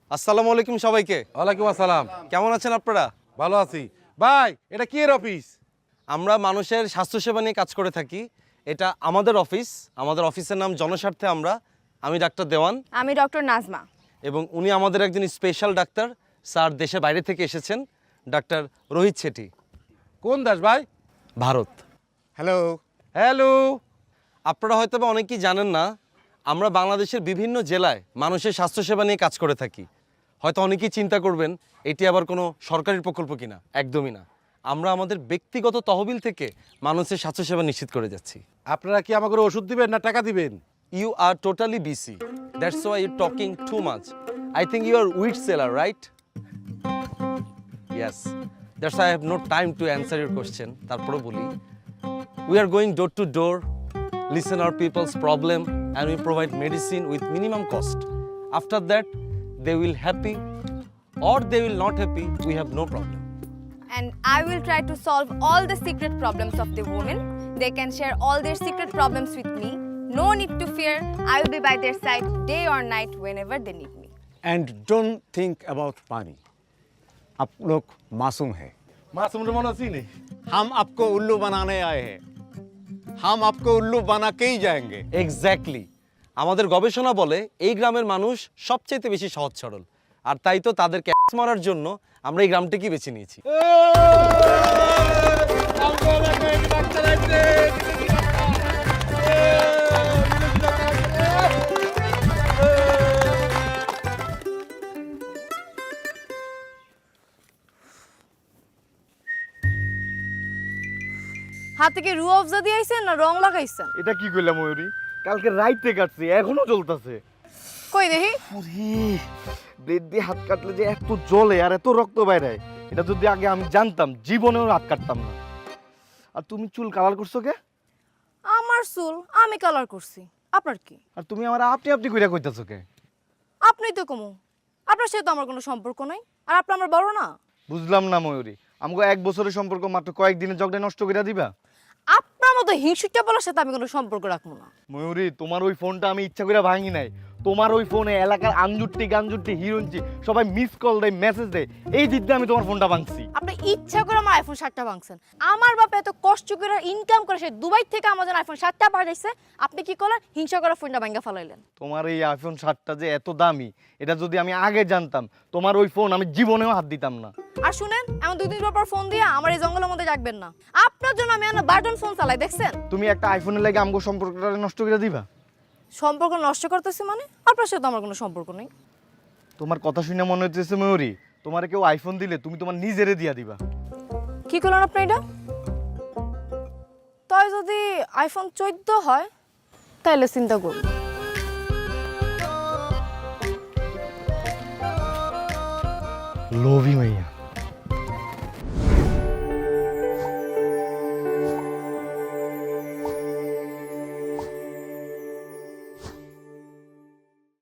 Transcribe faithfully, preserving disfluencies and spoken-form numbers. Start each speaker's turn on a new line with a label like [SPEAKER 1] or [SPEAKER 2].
[SPEAKER 1] আসসালামু আলাইকুম সবাইকে।
[SPEAKER 2] ওয়ালাইকুম আসসালাম।
[SPEAKER 1] কেমন আছেন আপনারা?
[SPEAKER 2] ভালো আছি। ভাই এটা কি এর অফিস?
[SPEAKER 1] আমরা মানুষের স্বাস্থ্যসেবা নিয়ে কাজ করে থাকি। এটা আমাদের অফিস। আমাদের অফিসের নাম জনস্বার্থে আমরা। আমি ডাক্তার দেওয়ান।
[SPEAKER 3] আমি ডক্টর নাজমা।
[SPEAKER 1] এবং উনি আমাদের একজন স্পেশাল ডাক্তার, স্যার দেশের বাইরে থেকে এসেছেন, ডাক্তার রোহিত শেঠি।
[SPEAKER 2] কোন দেশ ভাই?
[SPEAKER 1] ভারত।
[SPEAKER 2] হ্যালো। হ্যালো।
[SPEAKER 1] আপনারা হয়তো বা অনেকেই জানেন না, আমরা বাংলাদেশের বিভিন্ন জেলায় মানুষের স্বাস্থ্যসেবা নিয়ে কাজ করে থাকি। হয়তো অনেকেই চিন্তা করবেন এটি আবার কোনো সরকারি প্রকল্প কিনা। একদমই না। আমরা আমাদের ব্যক্তিগত তহবিল থেকে মানুষের স্বাস্থ্যসেবা নিশ্চিত করে যাচ্ছি।
[SPEAKER 2] আপনারা কি আমাকে ওষুধ দিবেন না টাকা দিবেন?
[SPEAKER 1] You are totally busy. That's why you're talking too much. I think you are wheat seller, right? Yes. That's why I have no time to answer your question. তারপরে বলি, we are going door to door, listen our people's problem, and we provide medicine with minimum cost. After that, they will happy or they will not happy. We have no problem.
[SPEAKER 3] And I will try to solve all the secret problems of the women. They can share all their secret problems with me. No need to fear. I will be by their side day or night whenever they need me.
[SPEAKER 4] And don't think about money. आप लोग मासूम हैं।
[SPEAKER 2] মাসুম রে মনে আছি নি?
[SPEAKER 4] हम आपको उल्लू बनाने आए हैं। हम आपको उल्लू बना के ही जाएंगे।
[SPEAKER 1] এক্স্যাক্টলি। আমাদের গবেষণা বলে এই গ্রামের মানুষ সবচেয়ে বেশি সহজ সরল, আর তাই তো তাদের ক্যাচ মারার জন্য আমরা এই গ্রামটিকে বেছে নিয়েছি।
[SPEAKER 3] হাতে কি রু অফজা দিয়ে আইছেন না রং লাগাইছেন?
[SPEAKER 5] এটা কি কইলা ময়ূরী? কালকে রাইতে কাটছি, এখনো জ্বলতাছে।
[SPEAKER 3] কই দেখি।
[SPEAKER 5] ব্লেড দিয়ে হাত কাটলে যে এত জ্বলে আর এত রক্ত বাইরে, এটা যদি আগে আমি জানতাম জীবনেও হাত কাটতাম না। আর তুমি চুল কালার করছো কে?
[SPEAKER 3] আমার চুল আমি কালার করছি, আপনার কি?
[SPEAKER 5] আর তুমি আমার আপনি আপনি কইরা কইতাছো কে?
[SPEAKER 3] আপনি তো কমু, আপনার সাথে তো আমার কোনো সম্পর্ক নাই। আর আপনি আমার বড় না।
[SPEAKER 5] বুঝলাম না ময়ূরী, আমাকে এক বছরের সম্পর্ক মাত্র কয়েকদিনের ঝগড়া নষ্ট করে দিবা?
[SPEAKER 3] আপনার মতো হিংসুটা বলার সাথে আমি কোনো সম্পর্ক রাখবো না।
[SPEAKER 5] ময়ূরী, তোমার ওই ফোনটা আমি ইচ্ছা করে ভাঙি নাই। তোমার ওই ফোনে এলাকার আঞ্জুরটি গাঞ্জুরটি হিরোইনটি সবাই মিস কল দেয়, মেসেজ দেয়, এই দিক দিয়ে আমি তোমার ফোনটা ভাঙছি।
[SPEAKER 3] আপনি ইচ্ছা করে আমার আইফোন সাতটা ভাঙছেন। আমার বাপ এত কষ্ট করে ইনকাম করে সে দুবাই থেকে আমার জন্য আইফোন সাতটা পাঠাইছে, আপনি কি করলেন? হিংসা করে ফোনটা ভাঙা ফেলাইলেন।
[SPEAKER 5] তোমার এই আইফোন সাতটা যে এত দামি, এটা যদি আমি আগে জানতাম, তোমার ওই ফোন আমি জীবনেও হাত দিতাম না।
[SPEAKER 3] আর শুনেন, এমন দুই দিন পর ফোন দিয়ে আমার এই জঙ্গলের মধ্যে রাখবেন না। আপনার জন্য আমি না বাটন ফোন চালাই, দেখছেন?
[SPEAKER 5] তুমি একটা আইফোনের লাগে আমগো সম্পর্কটা নষ্ট করে দিবা?
[SPEAKER 3] সম্পর্ক নষ্ট করতেছে মানে? আপনার সাথে আমার কোনো সম্পর্ক নেই।
[SPEAKER 5] তোমার কথা শুনে মনে হচ্ছে ময়ূরী, তোমার কেউ আইফোন দিলে তুমি তোমার নিজেরে দিয়া দিবা।
[SPEAKER 3] কি করলেন আপনি এটা? তাই যদি আইফোন চোদ্দ হয় তাহলে চিন্তা করুন।
[SPEAKER 5] লোভী মাইয়া।